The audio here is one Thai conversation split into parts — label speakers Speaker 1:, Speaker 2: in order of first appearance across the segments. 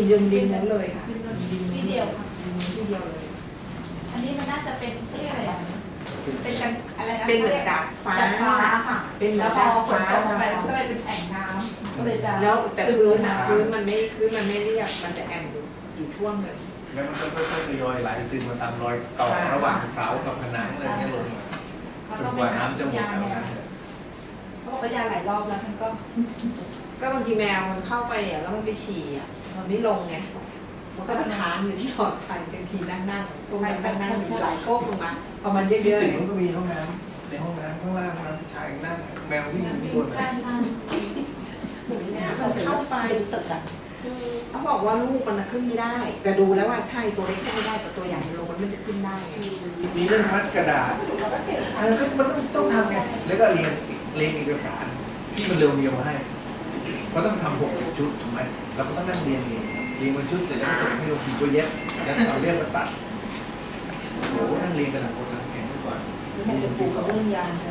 Speaker 1: ดินนั้นเลยค่ะดิน
Speaker 2: ที่เดียวค่ะ
Speaker 1: ที่เดียวเลย
Speaker 2: อันนี้มันน่าจะเป็นเรียกอะไรอ่ะเป็นกันอะไรนะ
Speaker 1: เป็นเหมือนดาดฟ้า
Speaker 2: ดาดฟ้าค่ะ
Speaker 1: เป็นเหมื
Speaker 2: แล้
Speaker 1: อ
Speaker 2: วน พอ
Speaker 1: ดาด
Speaker 2: ฝน
Speaker 1: ฟ้า
Speaker 2: ตกลงไปก็เลยเป็นแอ่งน้ำก็เลยจะ
Speaker 1: แล้วแต่พื้นมันไม่เรียบมันจะแอนอยู่ช่วงหนึ่ง
Speaker 3: แล้วมันก็ค่อยๆทยอยไหลซึมมาตามรอยต่อระหว่างเสากับผนังอะไรเงี้ยลงมา
Speaker 2: เขา
Speaker 3: จ
Speaker 2: ต้อน ง
Speaker 3: กว่าน้ำจะหมด
Speaker 2: ยา
Speaker 3: แล้ว
Speaker 2: แนว
Speaker 3: นะ
Speaker 2: เขาบอกว่ายาหลายรอบแล้วมันก็
Speaker 1: ก็บางทีแมวมันเข้าไปอ่ะแล้วมันไปฉี่อ่ะมันไม่ลงไงมันก็มันค้างอยู่ที่หลอดไฟบางทีนั่งพวกมันนั่งอยู่หลายโก๊กลงมาพอมันเย
Speaker 3: ที่
Speaker 1: อะ
Speaker 3: ตึก
Speaker 1: ๆ
Speaker 3: มันก็มีห้องน้ำในห้องน้ำข้างล่างน้ำชายนั่งแมววิ่งอยู่บน
Speaker 2: ใช่ใช่
Speaker 1: มันเข้าไปเขาบอกว่าลูกมันขึ้นไม่ได้ แต่ดูแล้วว่าใช่ตัวเล็กขึ้นไม่ได้แต่ตัวใหญ่ลงมันจะขึ้นได้ไง
Speaker 3: มีเรื่องมัดกระดาษ
Speaker 2: สรุปเราก็เก็บ
Speaker 3: ก็มันต้องทำไงแล้วก็เรียงเอกสารที่มันเร็วๆให้เพราะต้องทำ60 ชุดถูกไหมเราก็ต้องนั่งเรียงเป็นชุดเสร็จแล้วส่งให้เราพิมพ์ตัวเย็บแล้วเอาเรื่องมาตัดโอ้โหนั่งเรียงกันหนักกว่าแข่งดีกว่า
Speaker 4: ไม่จะปลูกเรื่องยาเลย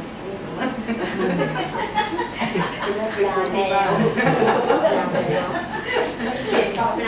Speaker 4: ยาแมวเก็บกับนา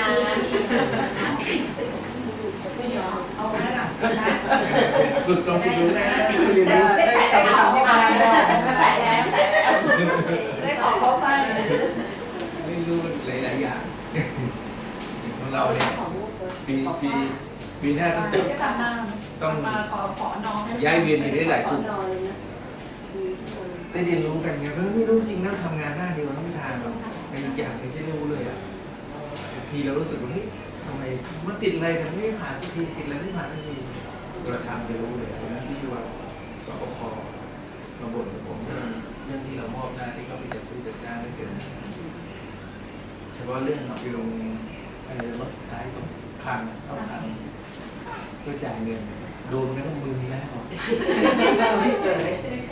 Speaker 2: เอาไว้หลังนะ
Speaker 3: ฝึกลองฝึกดูนะเรียนรู้
Speaker 2: ได้แปะแล้วเข้าไปแล้วแปะแล้วได้ของเข้าไป
Speaker 3: ไม่รู้หลายๆอย่างของเราเนี่ยปีหน้าต้อง
Speaker 2: เดี๋ยวจะต้องมาขอน้อง
Speaker 3: ย้ายเวียนอยู่ได้หลาย
Speaker 4: ข
Speaker 3: ก
Speaker 4: อ
Speaker 3: ลุ่ม
Speaker 4: นอนเลยนะ
Speaker 3: ได้เรียนรู้กันไงเพราะไม่รู้จริงนะทำงานหน้าเดียวแล้วไม่ทานหรอกในอีกอย่างไม่ใช่รู้เลยอ่ะบางทีเรารู้สึกว่าเฮ้ยทำไมมันติดอะไรแต่ไม่ผ่านสักทีติดอะไรไม่ผ่านสักทีเราทำจะรู้เลยเพราะนั้นที่ว่าสปคมาบ่นกับผมเรื่องที่เรามอบหน้าที่เขาไปจัดซื้อจัดจ้างไม่เกินเฉพาะเรื่องเอาไปลงรถสุดท้ายตรงคันเข้าคันเพื่อจ่ายเงินโดนไม่ต้องมือนี้แล้ว
Speaker 1: ไม่เคย